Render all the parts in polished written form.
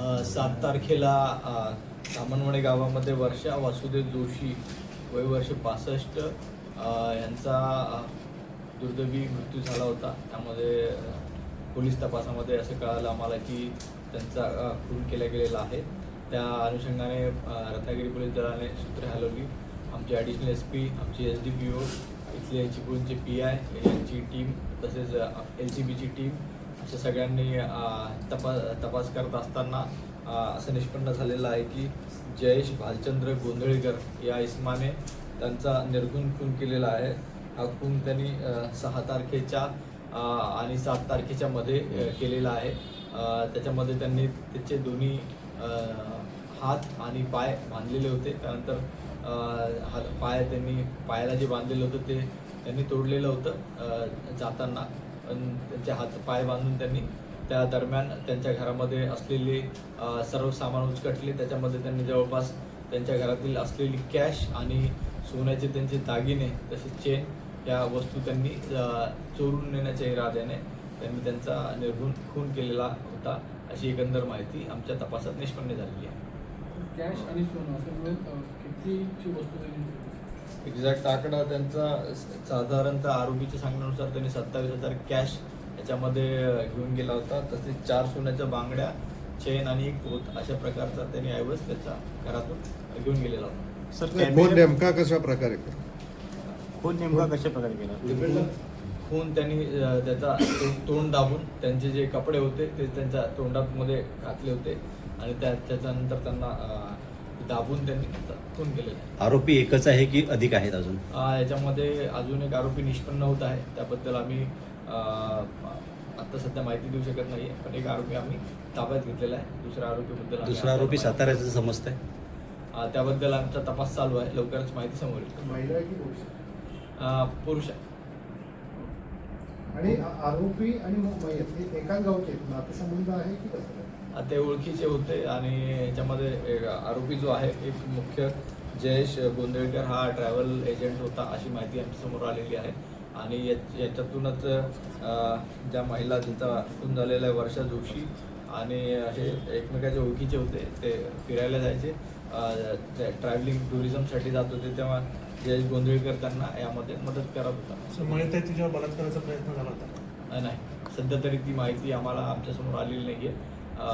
7 तारखेला धामणवाडी गावामध्ये वर्षा वासुदेव जोशी वय वर्ष 65 यांचा दुर्दैवी मृत्यू झाला होता. त्यामध्ये पोलीस तपासामध्ये असं कळालं आम्हाला की त्यांचा खून केला गेलेला आहे. त्या अनुषंगाने रत्नागिरी पोलीस दलाने सूत्रे हलवली. आमचे ॲडिशनल SP, आमची SDPO, इथले चिपळूणचे PI यांची टीम तसेच LCBची टीम अशा सगळ्यांनी तपास करत असताना असं निष्पन्न झालेलं आहे की जयेश भालचंद्र गोंधळीकर या इसमाने त्यांचा निर्गुण खून केलेला आहे. हा खून त्यांनी 6 तारखेच्या आणि 7 तारखेच्या मध्ये केलेला आहे. त्याच्यामध्ये त्यांनी त्याचे दोन्ही हात आणि पाय बांधलेले होते. त्यानंतर पायाला जे बांधलेलं होतं ते त्यांनी तोडलेलं होतं जाताना. त्यांचे हात पाय बांधून त्यांनी त्या दरम्यान त्यांच्या घरामध्ये असलेले सर्व सामान उचकटले. त्याच्यामध्ये त्यांनी जवळपास त्यांच्या घरातील असलेली कॅश आणि सोन्याचे त्यांचे दागिने तसेच चेन या वस्तू त्यांनी चोरून नेण्याच्या इराद्याने त्यांनी त्यांचा निर्गुण खून केलेला होता अशी एकंदर माहिती आमच्या तपासात निष्पन्न झालेली आहे. कॅश आणि सोनं असं मिळून कितीची वस्तू त्यांनी एक्झॅक्ट आकडा त्यांचा साधारणतः आरोपीच्या सांगण्यानुसार त्यांनी 27,000 कॅश याच्यामध्ये घेऊन गेला होता. तसेच 4 सोन्याच्या बांगड्या, चेन आणि एक पोत अशा प्रकारचा त्यांनी ऐवज त्याच्या घरातून घेऊन गेलेला होता. सर नेमका कशा प्रकारे केला खून त्यांनी त्याचा तोंड दाबून त्यांचे जे कपडे होते ते त्यांच्या तोंडामध्ये घातले होते आणि त्याच्यानंतर त्यांना दाबून त्यांनी खून केलेला आहे. आरोपी एकच आहे की अधिक आहेत अजून? याच्यामध्ये अजून एक आरोपी निष्पन्न होत आहे. त्याबद्दल आम्ही आता सध्या माहिती देऊ शकत नाही, पण एक आरोपी आम्ही ताब्यात घेतलेला आहे. दुसरा आरोपी साताऱ्याचं समजत आहे. त्याबद्दल आमचा तपास चालू आहे. लवकरच माहिती समोर येईल. महिला की पुरुष? पुरुष आहे. आणि आरोपी आणि मयत हे एकाच गावचे नातेसंबंध आहे की कसं? ते ओळखीचे होते आणि याच्यामध्ये आरोपी जो आहे एक मुख्य जयेश गोंधळकर हा ट्रॅव्हल एजंट होता अशी माहिती आमच्यासमोर आलेली आहे. आणि याच्यातूनच ज्या महिला जिचा खून झालेला आहे वर्षा जोशी आणि हे एकमेकाच्या ओळखीचे होते. ते फिरायला जायचे, ट्रॅव्हलिंग टुरिझमसाठी जात होते, तेव्हा जयेश गोंधळकर त्यांना यामध्ये मदत करत होता. तिच्यावर बलात्काराचा प्रयत्न झाला होता? नाही, सध्या तरी ती माहिती आम्हाला आमच्यासमोर आलेली नाही आहे.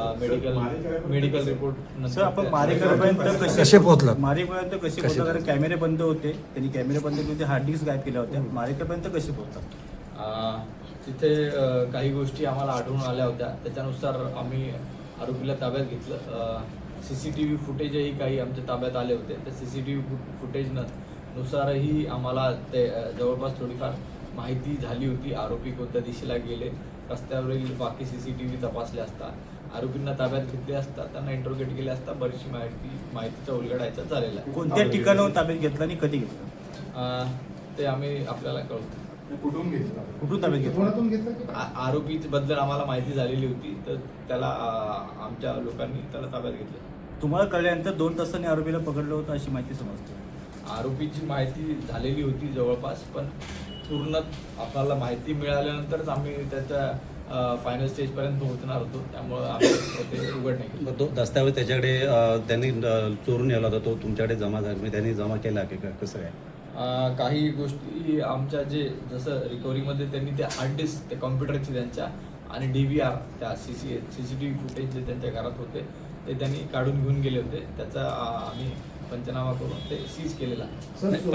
मेडिकल रिपोर्ट सर आपण मारेकरपर्यंत कसे पोहोचला? कारण कॅमेरे बंद होते, त्यांनी कॅमेरे बंद केले, हार्ड डिस्क गायब केल्या होत्या. मारेकरपर्यंत कसे पोहोचतात? तिथे काही गोष्टी आम्हाला आढळून आल्या होत्या. त्याच्यानुसार आम्ही आरोपीला ताब्यात घेतलं. CCTV फुटेजही काही आमच्या ताब्यात आले होते. त्या CCTV फुटेजनुसारही आम्हाला ते जवळपास थोडीफार माहिती झाली होती. आरोपी कोणत्या दिशेला गेले, रस्त्यावरील बाकी CCTV तपासले असता, आरोपींना ताब्यात घेतले असता, त्यांना इंट्रोगेट केले असता बरीचशी माहितीचा उलगडायचा झालेला आहे. कोणत्या ठिकाणाहून ताब्यात घेतलं आणि कधी घेतलं ते आम्ही आपल्याला कळवतो. कुठून ताब्यात घेतलं? आरोपी बद्दल आम्हाला माहिती झालेली होती, तर त्याला आमच्या लोकांनी त्याला ताब्यात घेतलं. तुम्हाला कळल्यानंतर 2 तासांनी आरोपीला पकडलं होतं अशी माहिती समजते. आरोपीची माहिती झालेली होती जवळपास, पण पूर्ण आपल्याला माहिती मिळाल्यानंतरच आम्ही त्याच्या फायनल स्टेजपर्यंत पोहोचणार होतो. त्यामुळे आम्ही ते उघड नाही केलं. तो दस्तावेज त्याच्याकडे त्यांनी चोरून नेला होता, तो तुमच्याकडे जमा झाला, त्यांनी जमा केला की कसं काय? काही गोष्टी आमच्या जसं रिकव्हरीमध्ये त्यांनी ते हार्ड डिस्क ते कॉम्प्युटरची त्यांच्या आणि DVR त्या CCTV फुटेज जे त्यांच्या घरात होते ते त्यांनी काढून घेऊन गेले होते. त्याचा आम्ही पंचनामा करून ते सीज केलेला आहे.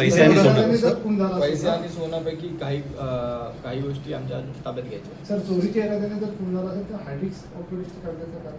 पैसे आणि सोन्यापैकी काही गोष्टी आमच्या ताब्यात घ्यायच्या. सर चोरीच्या इराद्याने जर खून झाला असेल तर हार्ड डिस्क ऑपरेटिव्ह काढण्याचं कारण?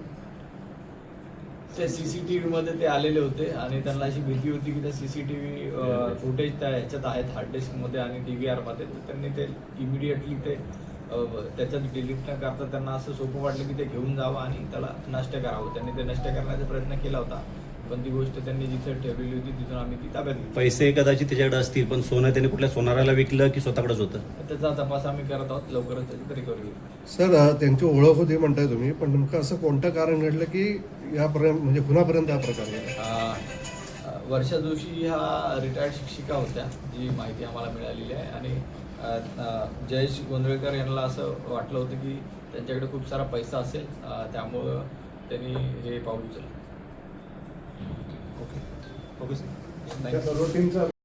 त्या CCTV मध्ये ते आलेले होते आणि त्यांना अशी भीती होती की त्या CCTV फुटेज त्या ह्याच्यात आहेत हार्ड डिस्कमध्ये आणि DVR मध्ये, तर त्यांनी ते इमिडिएटली ते त्याच्यात डिलीट न करता त्यांना असं सोपं वाटलं की ते घेऊन जावं आणि त्याला नष्ट करावं. त्यांनी ते नष्ट करण्याचा प्रयत्न केला होता, पण ती गोष्ट त्यांनी जिथे ठेवलेली होती तिथून आम्ही ती ताब्यात घेतली. पैसे कदाचित त्याच्याकडे असतील, पण सोनं त्यांनी कुठल्या सोनाराला विकलं की स्वतःकडेच होतं? त्याचा तपास आम्ही करत आहोत. लवकरच त्याची रिकव्हरी होईल. सर त्यांची ओळख होती म्हणताय तुम्ही, पण नेमकं असं कोणतं कारण घडलं की यापर्यंत म्हणजे खुनापर्यंत या प्रकारे? वर्षा जोशी ह्या रिटायर्ड शिक्षिका होत्या, जी माहिती आम्हाला मिळालेली आहे. आणि जयेश गोंधळकर यांना असं वाटलं होतं की त्यांच्याकडे खूप सारा पैसा असेल, त्यामुळं त्यांनी हे पाऊल उचललं. ओके सर त्या सर्व टीमचा